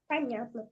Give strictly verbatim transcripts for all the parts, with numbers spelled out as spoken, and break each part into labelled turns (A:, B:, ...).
A: Понятно.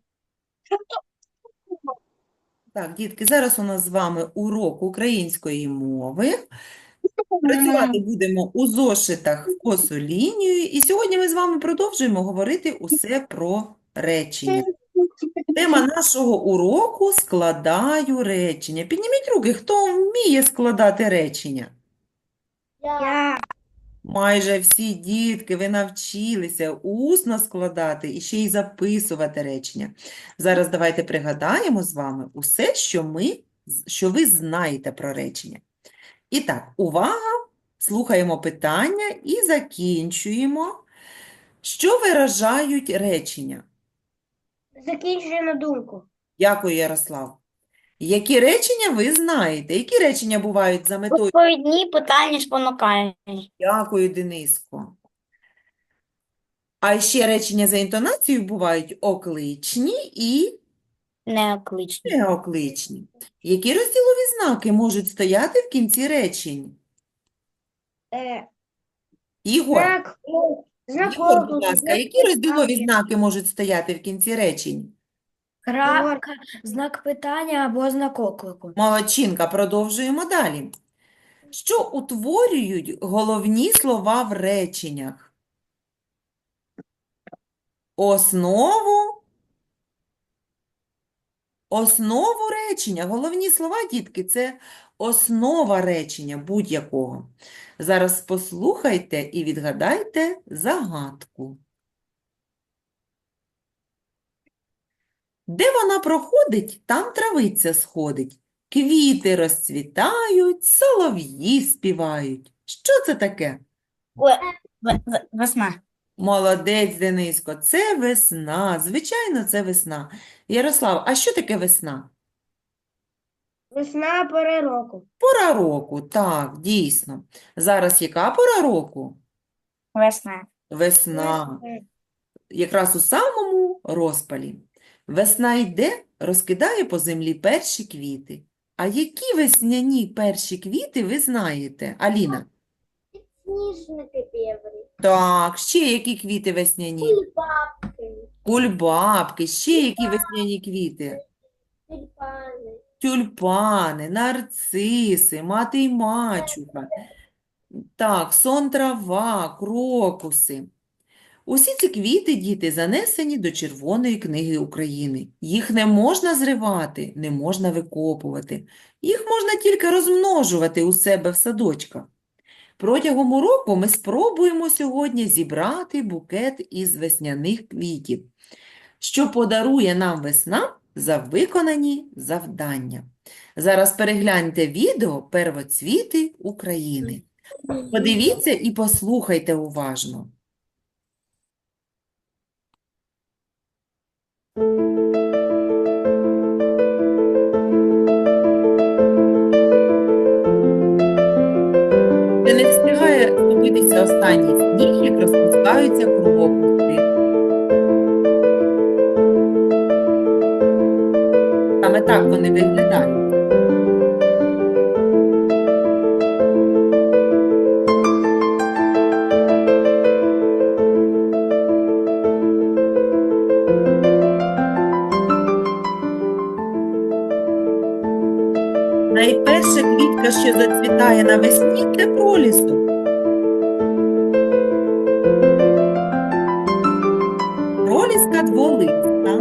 B: Так, дітки, зараз у нас з вами урок української мови. Працювати будемо у зошитах в косу лінію. І сьогодні ми з вами продовжуємо говорити усе про речення. Тема нашого уроку – складаю речення. Підніміть руки, хто вміє складати речення?
A: Я.
B: Майже всі дітки, ви навчилися усно складати і ще й записувати речення. Зараз давайте пригадаємо з вами усе, що ми, що ви знаєте про речення. І так, увага, слухаємо питання і закінчуємо. Що виражають речення?
A: Закінчує на думку.
B: Дякую, Ярослав. Які речення ви знаєте? Які речення бувають за метою?
A: Відповідні питання спонукальні.
B: Дякую, Дениско. А ще речення за інтонацією бувають окличні і
A: Неокличні.
B: неокличні. Які розділові знаки можуть стояти в кінці речень?
A: Е,
B: Ігор,
A: знак, о, знак
B: Ігор, будь
A: оклику,
B: ласка,
A: знак
B: які розділові
A: питання.
B: знаки можуть стояти в кінці речень?
C: Крапка, знак питання або знак оклику.
B: Молодчинка, продовжуємо далі. Що утворюють головні слова в реченнях? Основу, основу речення. Головні слова, дітки, це основа речення будь-якого. Зараз послухайте і відгадайте загадку. Де вона проходить, там травиця сходить. Квіти розцвітають, солов'ї співають. Що це таке?
A: Ве- ве- Весна.
B: Молодець, Дениско, це весна. Звичайно, це весна. Ярослав, а що таке весна?
A: Весна пора року.
B: Пора року, так, дійсно. Зараз яка пора року?
A: Весна.
B: Весна. Якраз у самому розпалі. Весна йде, розкидає по землі перші квіти. А які весняні перші квіти ви знаєте, Аліна?
A: Сніжники білі.
B: Так, ще які квіти весняні?
A: Кульбабки.
B: Кульбабки, ще які весняні квіти?
A: Тюльпани.
B: Тюльпани, нарциси, мати й мачуха. Так, сон трава, крокуси. Усі ці квіти, діти, занесені до Червоної книги України. Їх не можна зривати, не можна викопувати. Їх можна тільки розмножувати у себе в садочках. Протягом уроку ми спробуємо сьогодні зібрати букет із весняних квітів, що подарує нам весна за виконані завдання. Зараз перегляньте відео «Первоцвіти України». Подивіться і послухайте уважно. Ще не встигає ступитися останній сніг, як розпускаються крокуси. Саме так вони виглядають. Найперша квітка, що зацвітає навесні, це пролісок. Проліска дволиста.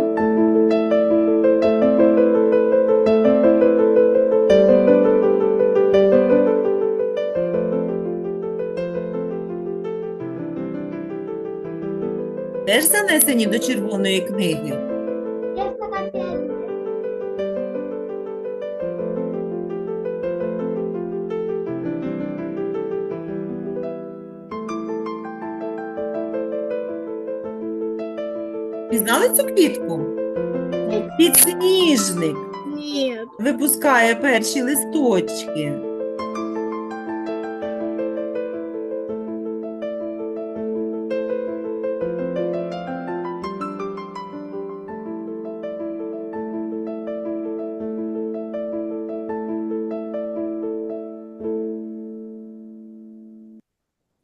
B: Теж занесені до Червоної книги. Пізнали цю квітку? Підсніжник
A: Нет.
B: випускає перші листочки.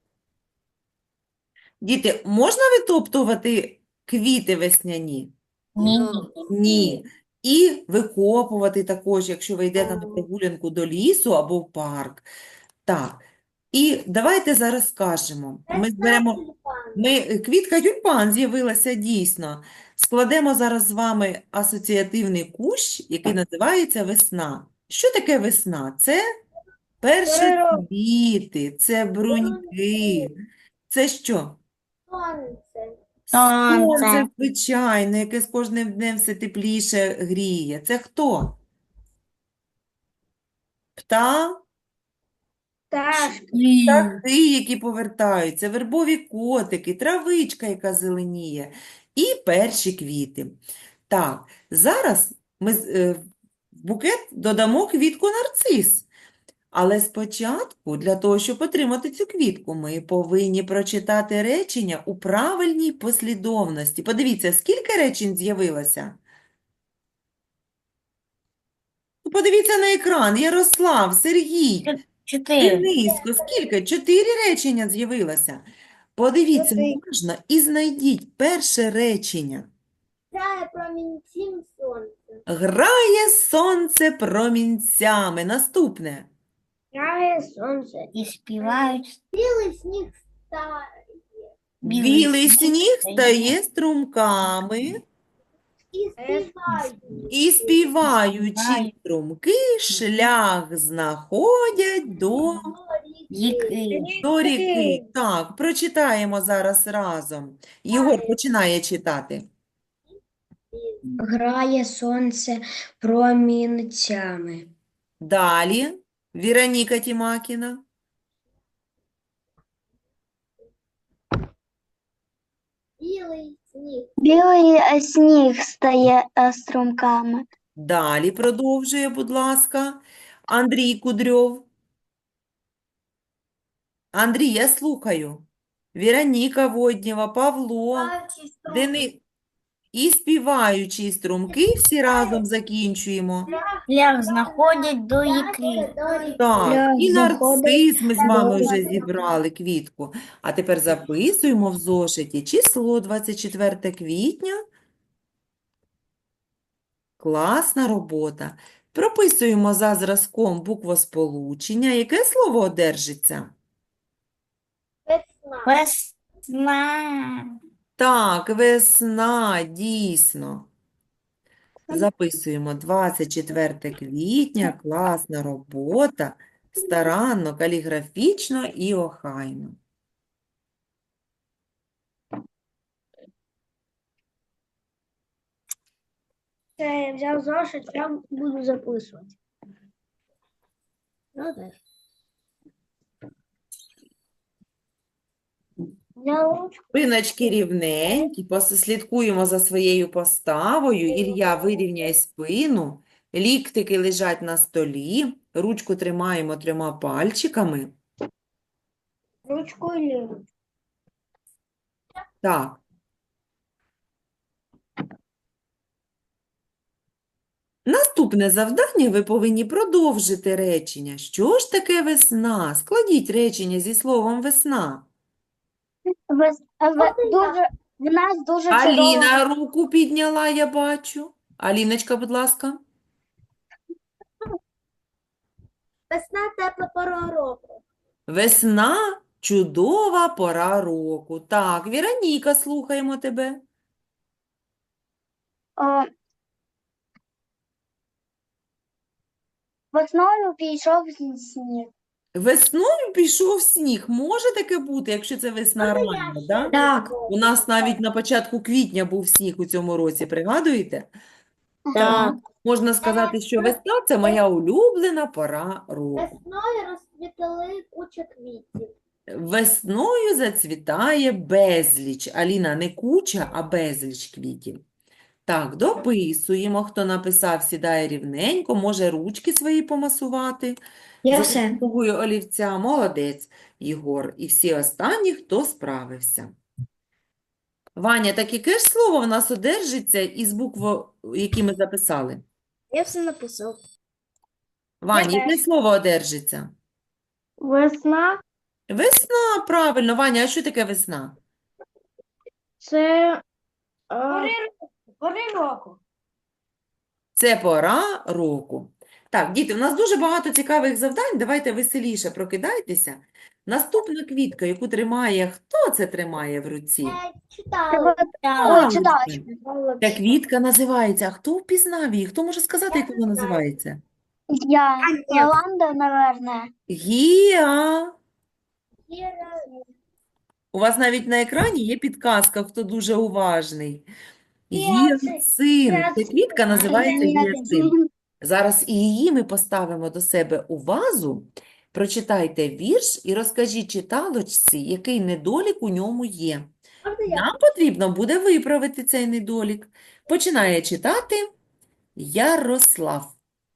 B: Діти, можна витоптувати квіти весняні?
C: Ні.
B: Ні. І викопувати також, якщо ви йдете на прогулянку до лісу або в парк. Так. І давайте зараз скажемо. Ми зберемо.
A: Тюльпан.
B: Ми, е, квітка тюльпан з'явилася дійсно. Складемо зараз з вами асоціативний кущ, який називається весна. Що таке весна? Це першоцвіти, це бруньки. Це що?
A: Сонце.
B: Сонце, звичайно, яке з кожним днем все тепліше гріє. Це хто? Пта?
A: Пташки.
B: Птахи, які повертаються, вербові котики, травичка, яка зеленіє, і перші квіти. Так, зараз ми з- е, в букет додамо квітку нарцис. Але спочатку, для того, щоб отримати цю квітку, ми повинні прочитати речення у правильній послідовності. Подивіться, скільки речень з'явилося? Ну, подивіться на екран. Ярослав, Сергій,
C: Чотири.
B: Денисько, скільки? Чотири речення з'явилося. Подивіться
A: Чотири.
B: уважно і знайдіть перше речення.
A: Грає промінцем сонце.
B: Грає сонце промінцями. Наступне.
A: Грає сонце.
C: І співають.
A: Білий сніг стає.
B: Білий сніг стає струмками,
A: І співають.
B: і співаючи
C: Співають.
B: струмки, шлях знаходять до,
C: Їки.
B: до ріки. Так, прочитаємо зараз разом. Єгор починає читати.
C: Грає сонце промінцями.
B: Далі. Віроніка Тімакіна.
A: Білий сніг.
D: Білий е, сніг стає е, струмками.
B: Далі продовжує, будь ласка. Андрій Кудрьов. Андрій, я слухаю. Віроніка Воднєва, Павло, Дени... І співаючі струмки всі разом закінчуємо.
C: Шлях знаходять до їки.
B: Так,
C: Шлях
B: і
C: знаходить
B: нарцис ми з вами
C: до
B: вже
C: їки.
B: зібрали квітку. А тепер записуємо в зошиті число двадцять четверте квітня. Класна робота. Прописуємо за зразком буквосполучення. Яке слово одержиться?
A: Весна.
C: Весна.
B: Так, весна, дійсно. Записуємо двадцять четверте квітня, класна робота, старанно, каліграфічно і охайно.
A: Я взяв зошит, я буду записувати. Ну так. Взяв ручку.
B: Спиночки рівненькі, послідкуємо за своєю поставою. Ілля, вирівняй спину, ліктики лежать на столі, ручку тримаємо трьома пальчиками.
A: Ручку і ліву.
B: Так. Наступне завдання ви повинні продовжити речення. Що ж таке весна? Складіть речення зі словом весна.
D: Вес- е, ве- дуже, в нас дуже чудово.
B: Аліна руку підняла, я бачу. Аліночка, будь ласка.
A: Весна тепла пора року.
B: Весна – чудова пора року. Так, Віроніка, слухаємо тебе.
D: О, весною пішов сніг.
B: Весною пішов сніг. Може таке бути, якщо це весна рання, да?
C: Так.
B: У нас навіть на початку квітня був сніг у цьому році, пригадуєте?
C: Так.
B: Можна сказати, що весна – це моя улюблена пора року.
A: Весною розцвітали куча квітів.
B: Весною зацвітає безліч. Аліна, не куча, а безліч квітів. Так, дописуємо. Хто написав, сідає рівненько, може ручки свої помасувати.
C: Я
B: За
C: все.
B: допомогою олівця. Молодець, Єгор. І всі останні, хто справився. Ваня, так яке ж слово в нас одержиться із букв, які ми записали?
A: Я все написав.
B: Ваня,
A: Я
B: яке
A: теж.
B: слово одержиться?
A: Весна
B: Весна, правильно. Ваня, а що таке весна?
A: це Пори року.
B: Це пора року. Так, діти, у нас дуже багато цікавих завдань. Давайте веселіше прокидайтеся. Наступна квітка, яку тримає, хто це тримає в руці?
A: Читала.
D: Ой,
B: Галочка.
D: читалочка.
B: Ця квітка називається. А хто впізнав її? Хто може сказати, як вона називається?
D: Я. Лаванда, наверное.
B: Гіа. У вас навіть на екрані є підказка, хто дуже уважний. Гіацинт. Ця квітка називається гіацинт. Зараз і її ми поставимо до себе у вазу. Прочитайте вірш і розкажіть читалочці, який недолік у ньому є. Нам потрібно буде виправити цей недолік. Починає читати Ярослав.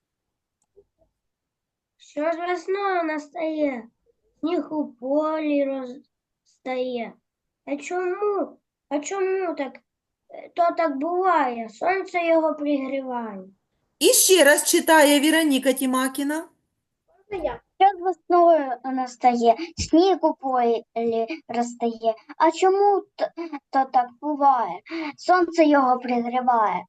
A: Що ж весною настає, сніг у полі розстає. А чому? А чому так? Е, То так буває, сонце його пригріває.
B: І ще раз читає Віроніка Тімакіна.
D: Що з весною настає, сніг у полі розтає. А чому т- то так буває? Сонце його пригріває.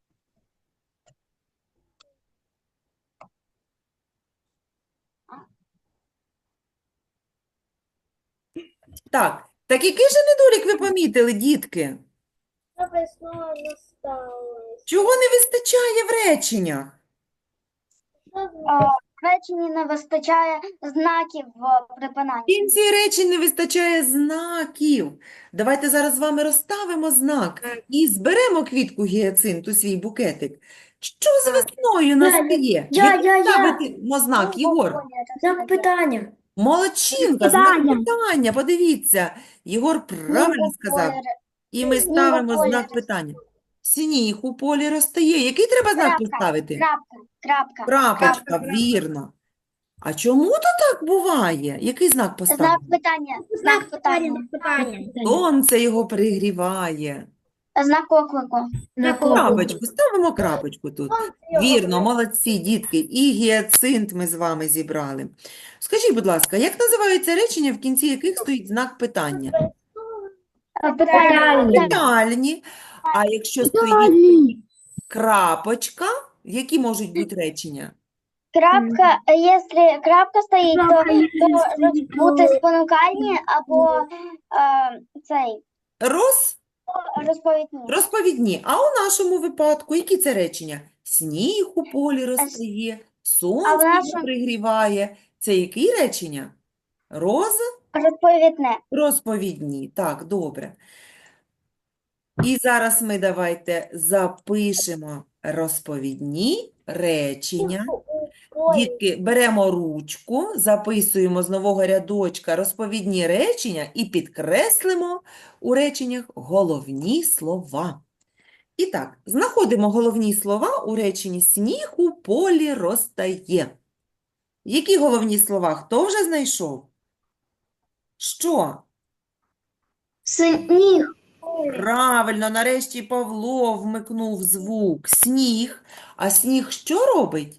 B: Так, так який же недолік ви помітили, дітки?
A: Що весною настало?
B: Чого не вистачає в реченнях?
D: А, в реченні не вистачає знаків в
B: В
D: припинанні.
B: кінці речень не вистачає знаків. Давайте зараз з вами розставимо знак і зберемо квітку гіацинту, свій букетик. Що з весною настає?
C: я,
B: Який
C: я, я.
B: ставимо знак, Єгор?
C: Знак питання.
B: Молодчинка, знак
C: Питання.
B: питання. Подивіться, Єгор правильно сказав. І ми ставимо
D: полі
B: знак
D: розтає.
B: питання. Сніг у полі розтає. Який треба знак
D: Крапка,
B: поставити?
D: Крапка, крапка.
B: Крапочка,
D: крапка.
B: вірно. А чому то так буває? Який знак
D: Знак
B: поставити?
D: питання, знак питання.
B: Сонце його пригріває.
D: Знак оклику.
C: Знак
B: Крапочку, ставимо крапочку тут. Вірно, молодці, дітки. І гіацинт ми з вами зібрали. Скажіть, будь ласка, як називаються речення, в кінці яких стоїть знак питання?
D: Питання.
B: Питальні. А якщо стоїть крапочка, які можуть бути речення?
D: Крапка, якщо крапка стоїть, то, то можуть бути спонукальні або е, цей
B: Роз,
D: розповідні.
B: розповідні. А у нашому випадку, які це речення? Сніг у полі розтає, сонце його
D: нашому-
B: пригріває. Це які речення? Роз?
D: Розповідне.
B: Розповідні. Так, добре. І зараз ми давайте запишемо розповідні речення. Дітки, беремо ручку, записуємо з нового рядочка розповідні речення і підкреслимо у реченнях головні слова. І так, знаходимо головні слова у реченні «Сніг у полі розтає». Які головні слова? Хто вже знайшов? Що?
D: Сніг.
B: Правильно, нарешті Павло вмикнув звук. Сніг. А сніг що робить?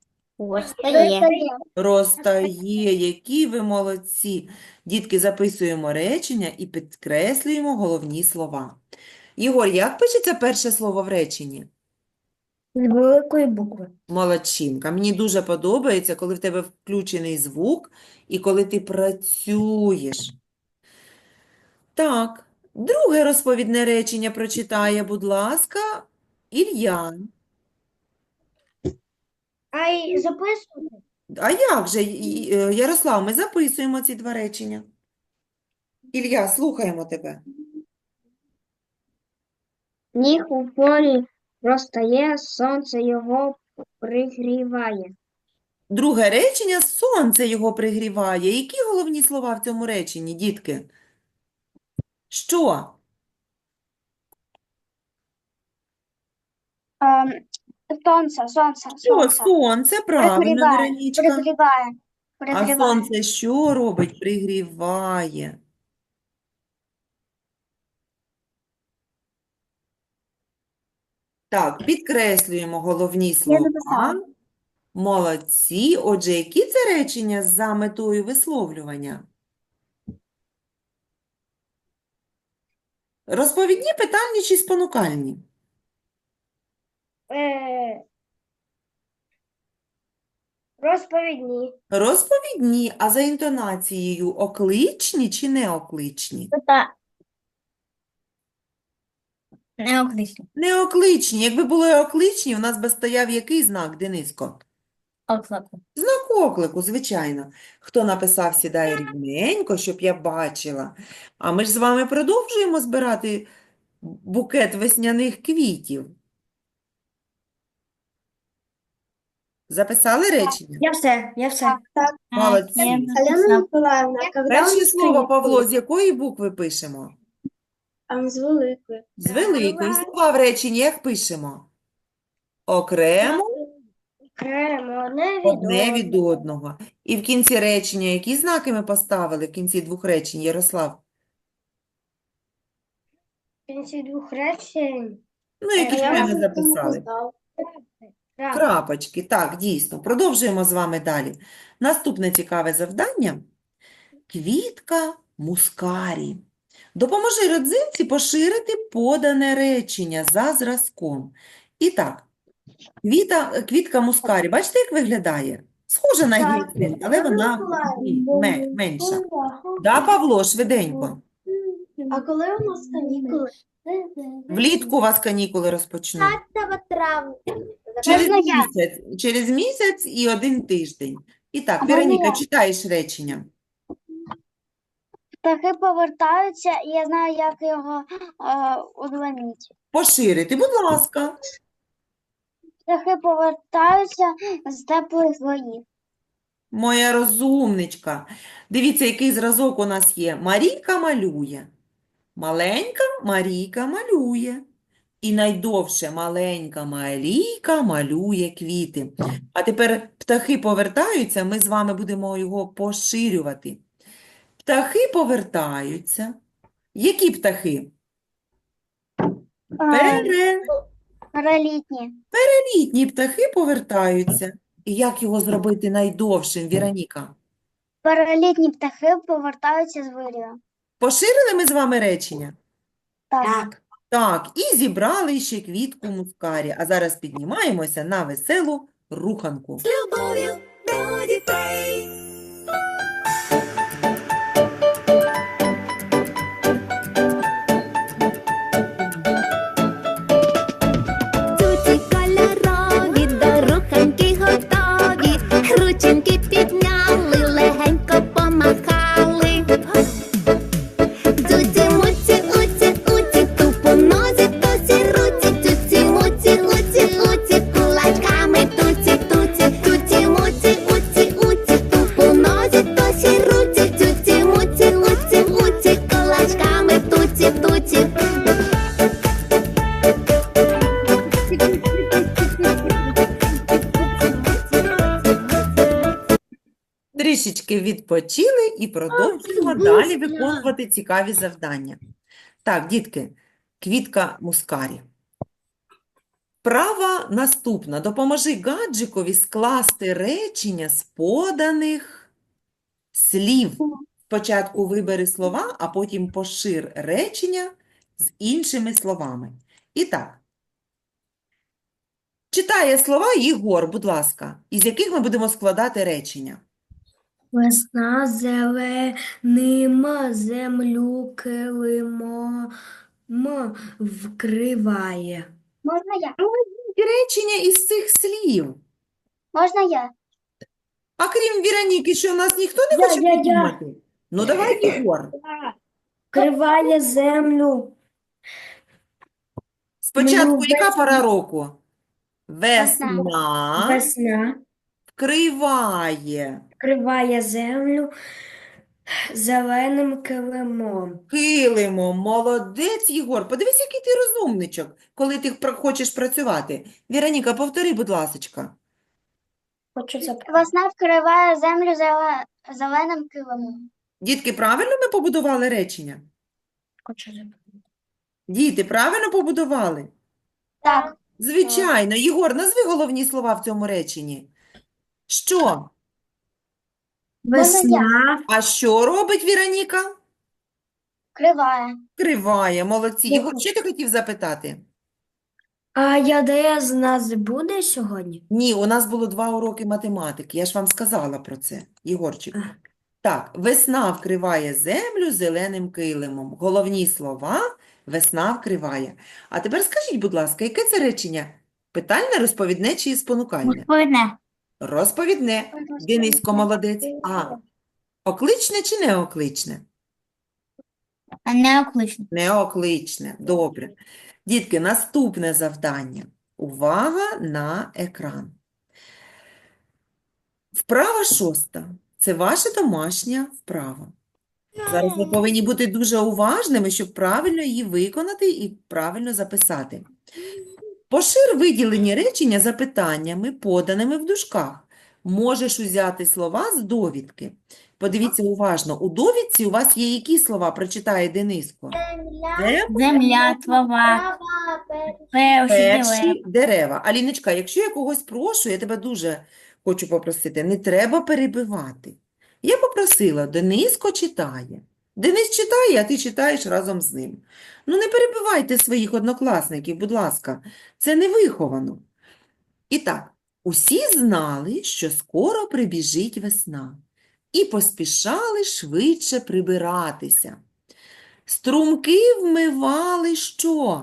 B: Розтає. Які ви молодці. Дітки, записуємо речення і підкреслюємо головні слова. Ігор, як пишеться перше слово в реченні?
C: З великої букви.
B: Молодчинка. Мені дуже подобається, коли в тебе включений звук і коли ти працюєш. Так, друге розповідне речення прочитає, будь ласка, Ілля.
A: А й записувати?
B: А як же, І- е, Ярослав, ми записуємо ці два речення. Ілля, слухаємо тебе.
D: Сніг у полі розтає, сонце його пригріває.
B: Друге речення – сонце його пригріває. Які головні слова в цьому реченні, дітки? Що?
D: Ем, сонце, сонце,
B: Що?
D: сонце.
B: Сонце, правильно,
D: Пригріває,
B: Веронічка.
D: пригріває,
B: А
D: пригріває.
B: сонце що робить? Пригріває. Так, підкреслюємо головні слова.
D: записала.
B: Молодці. Отже, які це речення за метою висловлювання? Розповідні, питальні чи спонукальні?
A: Е, розповідні.
B: Розповідні, а за інтонацією окличні чи неокличні?
C: Неоклично.
B: Неокличні. Якби були окличні, у нас би стояв який знак, Дениско?
C: Оклику.
B: Знак оклику, звичайно. Хто написав, сідає рівненько, щоб я бачила. А ми ж з вами продовжуємо збирати букет весняних квітів. Записали речення?
C: Я все, я все.
B: Молодці.
A: Алена Миколаївна, коли
B: Перше слово, Павло, з якої букви пишемо?
A: з великої.
B: З великої. Слова в реченні як пишемо? Окремо,
A: Окремо, одне від
B: одне від
A: одного.
B: одного. І в кінці речення, які знаки ми поставили в кінці двох речень, Ярослав?
A: В кінці двох речень.
B: Ну, які
A: Я
B: ми
A: вже
B: не записали.
A: Крапка.
B: Крапочки. Так, дійсно. Продовжуємо з вами далі. Наступне цікаве завдання. Квітка мускарі. Допоможи родзинці поширити подане речення за зразком. І так, квіта, квітка мускарі. Бачите, як виглядає? Схожа на гіацинт, але вона бі- ме- менша. Да, Павло, швиденько.
A: А коли у нас канікули?
B: Влітку у вас канікули розпочнуть.
A: травня.
B: Через
D: Можна я?
B: місяць, через місяць і один тиждень. І так,
D: А можна
B: Вероніка,
D: я?
B: читаєш речення.
D: Птахи повертаються, і я знаю, як його е, удвоїти.
B: Поширити, будь ласка.
D: Птахи повертаються з теплих воїв.
B: Моя розумничка. Дивіться, який зразок у нас є. Марійка малює. Маленька Марійка малює. І найдовше маленька Марійка малює квіти. А тепер птахи повертаються, ми з вами будемо його поширювати. Птахи повертаються. Які птахи?
D: Е, Перелітні.
B: Перелітні птахи повертаються. І як його зробити найдовшим, Віроніка?
D: Перелітні птахи повертаються з вирію.
B: Поширили ми з вами речення?
D: Так.
C: Так.
B: Так, і зібрали ще квітку мускарі. А зараз піднімаємося на веселу руханку.
E: Туті кольорові, до руханки готові, рученьки підняли, легенько помахали. Туті-муті, уті-уті, тупо нозі, тусі, руті, туті-муті, уті-уті, кулачками туті-туті, туті-муті, уті-уті, тупо нозі, тусі, руті, туті-муті, уті-уті, кулачками туті-туті.
B: Трішечки відпочили і продовжуємо далі виконувати цікаві завдання. Так, дітки, квітка мускарі. Вправа наступна. Допоможи гаджикові скласти речення з поданих слів. Спочатку вибери слова, а потім пошир речення з іншими словами. І так, читає слова Єгор, будь ласка, із яких ми будемо складати речення.
C: Весна зеленима землю килимом вкриває.
D: Можна я?
B: Речення із цих слів.
D: Можна я?
B: А крім Віроніки, що у нас ніхто не
C: Я,
B: хоче
C: я, я.
B: придумати? Ну, давай, Єгор.
C: Вкриває землю.
B: Спочатку,
C: Ну,
B: яка
C: весна.
B: пора року? Весна
C: Весна
B: вкриває
C: вкриває землю зеленим килимом.
B: килимом. Молодець, Єгор. Подивись, який ти розумничок, коли ти пр- хочеш працювати. Віроніка, повтори, будь ласочка.
C: Хочу запитати.
D: Весна вкриває землю зеле- зеленим килимом.
B: Дітки, правильно ми побудували речення?
C: Хочу запитати.
B: Діти, правильно побудували?
D: Так.
B: Звичайно. Єгор, назви головні слова в цьому реченні. Що?
C: Весна
B: А що робить Віроніка?
D: Вкриває.
B: Вкриває. Молодці.
C: Я
B: Єгор,
C: хочу-
B: що ти хотів запитати?
C: А ЯДС у нас буде сьогодні?
B: Ні, у нас було два уроки математики. Я ж вам сказала про це, Єгорчик.
C: А.
B: Так, весна вкриває землю зеленим килимом. Головні слова весна вкриває. А тепер скажіть, будь ласка, яке це речення? Питальне, розповідне чи спонукальне?
D: Розповідне.
B: Розповідне. Дениско молодець. А окличне чи неокличне?
D: Неоклично.
B: Неокличне. Добре. Дітки, наступне завдання. Увага на екран. Вправа шоста. Це ваша домашня вправа. Зараз ви повинні бути дуже уважними, щоб правильно її виконати і правильно записати. Пошир виділені речення запитаннями, поданими в дужках. Можеш узяти слова з довідки. Подивіться уважно. У довідці у вас є які слова? Прочитає Дениско. Це
D: Земля, трава, перші
B: перші дерева. Аліночка, якщо я когось прошу, я тебе дуже хочу попросити, не треба перебивати. Я попросила, Дениско читає. Денис читає, а ти читаєш разом з ним. Ну, не перебивайте своїх однокласників, будь ласка. Це невиховано. І так, усі знали, що скоро прибіжить весна, і поспішали швидше прибиратися. Струмки вмивали що?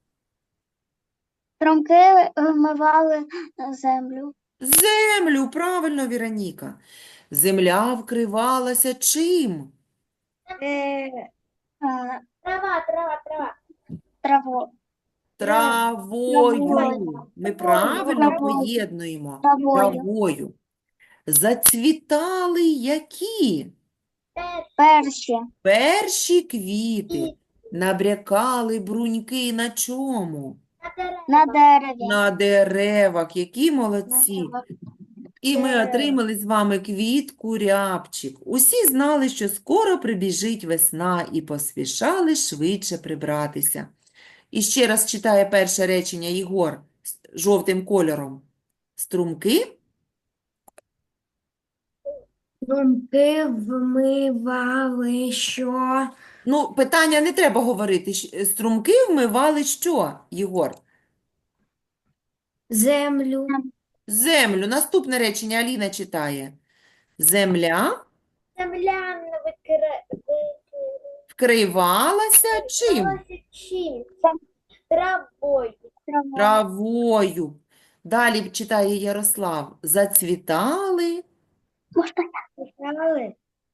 D: Струмки вмивали землю.
B: Землю, правильно, Віроніка. Земля вкривалася чим?
A: Е,
D: а,
A: Трава, трава, трава.
D: Траву,
B: Травою.
D: Травою.
B: Ми правильно
D: Травою.
B: поєднуємо.
D: Травою.
B: Травою. Зацвітали які?
D: перші,
B: Перші квіти. Набрякали бруньки на чому?
D: на дереві.
B: На деревах. Які молодці. І ми отримали з вами квітку рябчик. Усі знали, що скоро прибіжить весна і поспішали швидше прибратися. І ще раз читає перше речення Єгор з жовтим кольором. Струмки
C: Струмки вмивали що?
B: Ну, питання не треба говорити. Щ- Струмки вмивали що, Єгор?
C: Землю.
B: Землю. Наступне речення Аліна читає. Земля
A: Земля
B: вкривалася чим?
A: викривалася чим? Травою.
D: Травою.
B: Травою. Далі читає Ярослав. Зацвітали
D: Можна,
A: Писали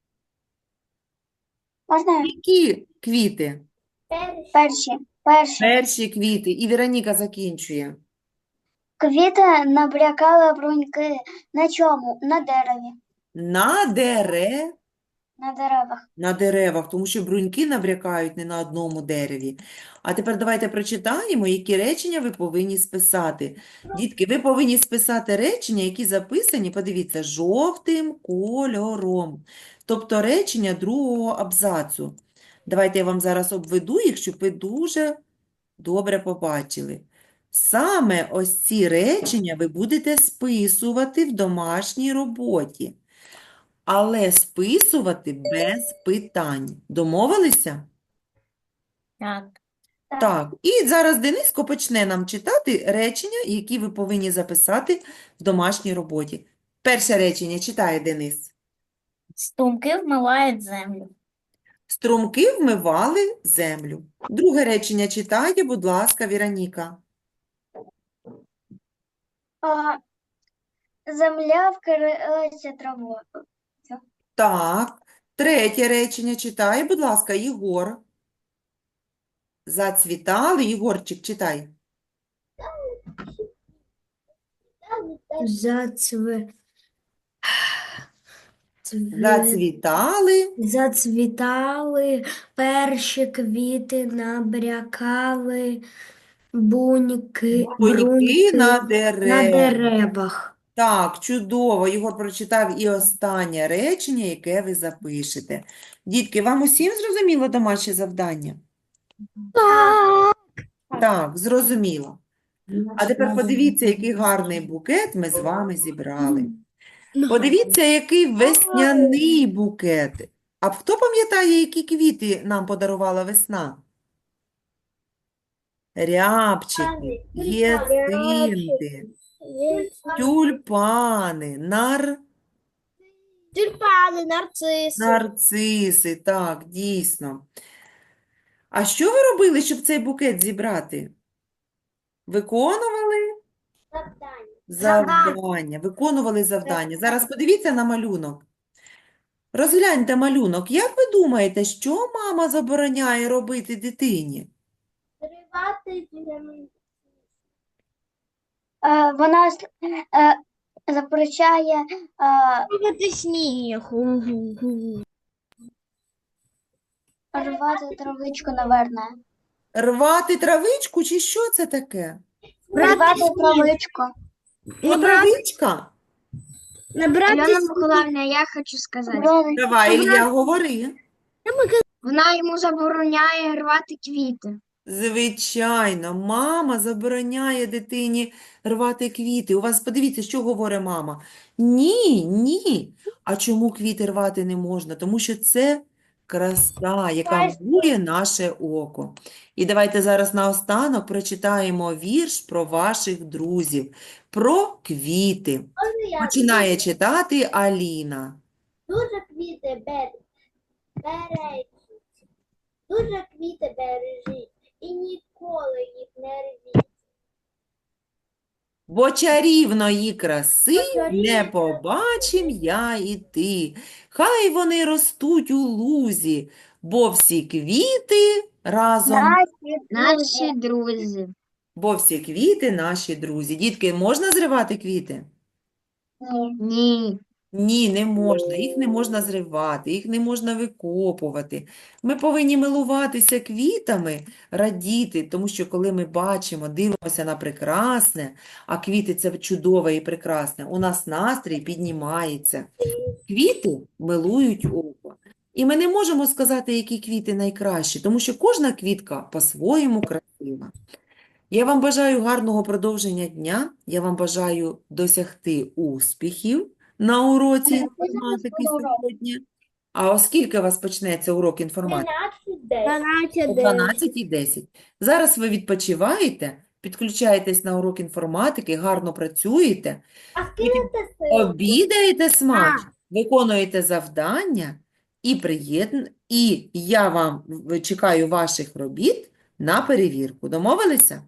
D: можна я?
B: які квіти?
A: перші.
D: Перші, перші.
B: Перші квіти. І Вероніка закінчує.
D: Квіти набрякали бруньки. На чому? На дереві.
B: На дере...
D: На деревах.
B: На деревах, тому що бруньки набрякають не на одному дереві. А тепер давайте прочитаємо, які речення ви повинні списати. Дітки, ви повинні списати речення, які записані, подивіться, жовтим кольором. Тобто речення другого абзацу. Давайте я вам зараз обведу їх, щоб ви дуже добре побачили. Саме ось ці речення ви будете списувати в домашній роботі. Але списувати без питань. Домовилися?
D: Так.
B: Так. І зараз Дениско почне нам читати речення, які ви повинні записати в домашній роботі. Перше речення читає Денис.
D: Струмки вмивають землю.
B: Струмки вмивали землю. Друге речення читає, будь ласка, Віроніка.
D: А, земля вкрилася травою.
B: Так. Третє речення читає, будь ласка, Єгор. Зацвітали. Єгорчик, читай.
C: Зацве... Цве-
B: Зацвітали.
C: Зацвітали перші квіти, набрякали буньки,
B: Бруньки на
C: бруньки на
B: деревах.
C: деревах.
B: Так, чудово. Єгор прочитав і останнє речення, яке ви запишете. Дітки, вам усім зрозуміло домашнє завдання? Так, зрозуміло. А тепер подивіться, який гарний букет ми з вами зібрали. Подивіться, який весняний букет. А хто пам'ятає, які квіти нам подарувала весна? рябчики, гіацинти, тюльпани, нар...
C: Тюльпани, нарциси.
B: нарциси. Так, дійсно. А що ви робили, щоб цей букет зібрати? Виконували завдання. Виконували завдання. Зараз подивіться на малюнок. Розгляньте малюнок. Як ви думаєте, що мама забороняє робити дитині?
D: Е, Вона с- е, запрещає е,
C: Рвати сніг.
D: рвати травичку, наверное.
B: Рвати травичку чи що це таке?
D: Рвати травичку.
B: О, травичка?
C: Набрати
F: Альона
C: сніг.
F: Миколаївна, я хочу сказати.
D: Рвати-
B: Давай, Ілля, говори.
F: Вона йому забороняє рвати квіти.
B: Звичайно, мама забороняє дитині рвати квіти. У вас, подивіться, що говорить мама. Ні, ні. А чому квіти рвати не можна? Тому що це краса, яка милує наше око. І давайте зараз наостанок прочитаємо вірш про ваших друзів, про квіти. Починає читати Аліна.
A: Дуже квіти бер- бережіть, дуже квіти бережіть і ніколи їх не рвіть.
B: Бо чарівної краси
A: чарівної
B: не побачим я і ти. Хай вони ростуть у лузі, бо всі квіти разом,
F: Наші друзі.
B: бо всі квіти наші друзі. Дітки, можна зривати квіти?
D: Ні.
F: Ні.
B: Ні, не можна. Їх не можна зривати, їх не можна викопувати. Ми повинні милуватися квітами, радіти, тому що коли ми бачимо, дивимося на прекрасне, а квіти – це чудове і прекрасне, у нас настрій піднімається. Квіти милують око. І ми не можемо сказати, які квіти найкращі, тому що кожна квітка по-своєму красива. Я вам бажаю гарного продовження дня. Я вам бажаю досягти успіхів на уроці інформатики сьогодні. А оскільки у вас почнеться урок інформатики? О дванадцятій і десять. Зараз ви відпочиваєте, підключаєтесь на урок інформатики, гарно працюєте,
A: А скинете сил?
B: обідаєте смачно, виконуєте завдання і приєдн... І я вам в- чекаю ваших робіт на перевірку. Домовилися?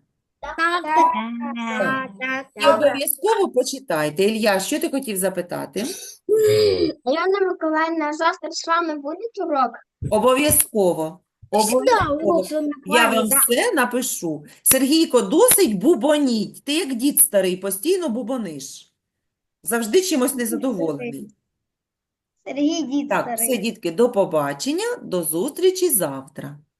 B: Так. І обов'язково почитайте. Ілля, що ти хотів запитати?
F: Альона Миколаївна, завтра з вами буде урок?
B: Обов'язково. Обов'язково. Я вам все напишу. Сергійко, досить бубоніть. Ти як дід старий, постійно бубониш. Завжди чимось незадоволений.
D: Сергій дід
B: Так,
D: старий.
B: все, дітки, до побачення, до зустрічі завтра.